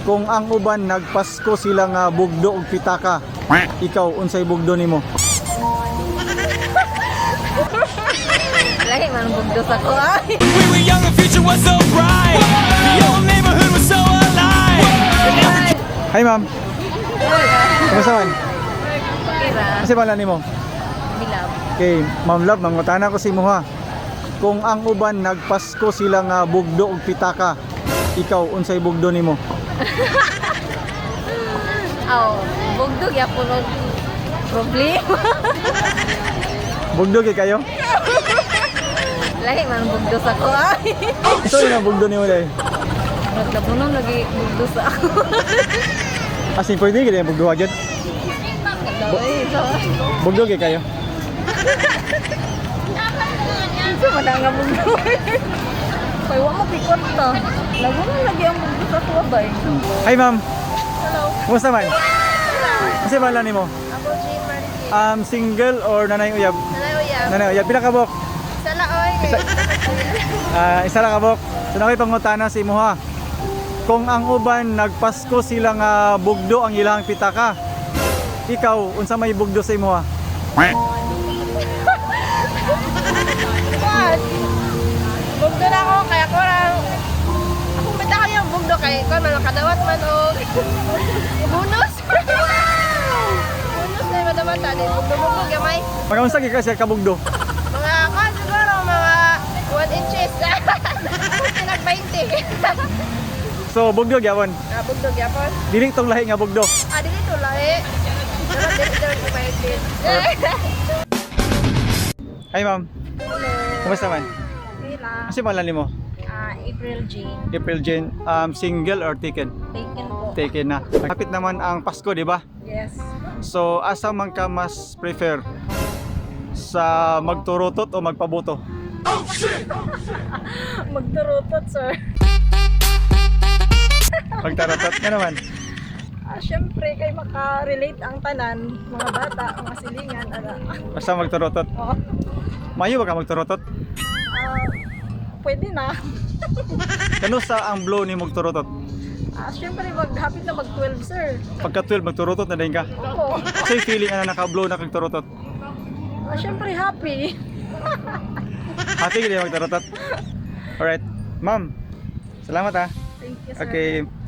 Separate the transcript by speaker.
Speaker 1: Kung ang uban nagpasko sila nga bugdo og pitaka, ikaw unsay bugdo nimo?
Speaker 2: Lahi man bugdo sa ko ay.
Speaker 3: We were young, the future was so bright. The old neighborhood was so alive.
Speaker 1: Hi ma'am, kumusta man?
Speaker 2: Okay ra.
Speaker 1: Kasi pala nimo?
Speaker 2: Bilab.
Speaker 1: Okay, Ma'am Love, mangutana ko si mo ha. Kung ang uban nagpasko sila nga bugdo og pitaka, ikaw unsay bugdo nimo?
Speaker 2: Aw, bugdo gyapon og problema.
Speaker 1: Bugdo kay kayo?
Speaker 2: Lahi man bugdo sa ko ay.
Speaker 1: Ito yung bugdo nimo dai.
Speaker 2: Nagdapunon lagi bugdo sa ako.
Speaker 1: Asin pwede gid yung bugdo agad.
Speaker 2: Ay, so.
Speaker 1: Bugdo kay kayo?
Speaker 2: Ito man nga bugdo. Kay wa mo pikot ta. Lagunon lagi ang bugdo sa ko bay.
Speaker 1: Hi ma'am,
Speaker 2: Hello.
Speaker 1: kumusta man? Kasi pala nimo?
Speaker 2: Ako Jay Marquez.
Speaker 1: Single or nanay uyab?
Speaker 2: Hello ya.
Speaker 1: Nanay uyab, pila ka bok?
Speaker 2: Sala oy.
Speaker 1: Isa lang ka bok. So nakoy pangutana si mo ha. Kung ang uban nagpasko sila nga bugdo ang ilang pitaka, ikaw unsa may bugdo sa imo ha?
Speaker 2: What? Bugdo na ako kaya ko lang. Akong bita ko yung bugdo kay ko man kadawat man og bonus. Bonus na yung madawat ani bugdo gamay.
Speaker 1: Pagkaunsa gyud ka siya ka bugdo?
Speaker 2: Mga kan siguro mga 1 inches. Tinag 20.
Speaker 1: So bugdo gyapon.
Speaker 2: Bugdo gyapon.
Speaker 1: Dili tong lahi nga bugdo.
Speaker 2: Dili to lahi. Pero dili ko maintin.
Speaker 1: Hi ma'am, kumusta man?
Speaker 2: Pila.
Speaker 1: Kasi pala nimo?
Speaker 2: April Jane.
Speaker 1: April Jane, single or taken?
Speaker 2: Taken po.
Speaker 1: Taken na. Kapit naman ang Pasko, di ba?
Speaker 2: Yes.
Speaker 1: So asa man ka mas prefer? Sa magturutot o magpabuto?
Speaker 2: Magturutot, sir.
Speaker 1: Magtarutot nga naman.
Speaker 2: Siyempre, kay makarelate ang tanan, mga bata, mga silingan,
Speaker 1: Basta magturutot.
Speaker 2: Oh,
Speaker 1: Mayo ba ka magturutot?
Speaker 2: pwede na.
Speaker 1: Kano sa ang blow ni magturutot?
Speaker 2: Siyempre, maghapit na mag-12, sir.
Speaker 1: Pagka 12 magturutot na din ka.
Speaker 2: Opo.
Speaker 1: Kasi feeling na naka-blow na kagturutot.
Speaker 2: Siyempre, happy.
Speaker 1: Happy ka din magturutot. Alright. Ma'am, salamat ha.
Speaker 2: Thank you, sir.
Speaker 1: Okay.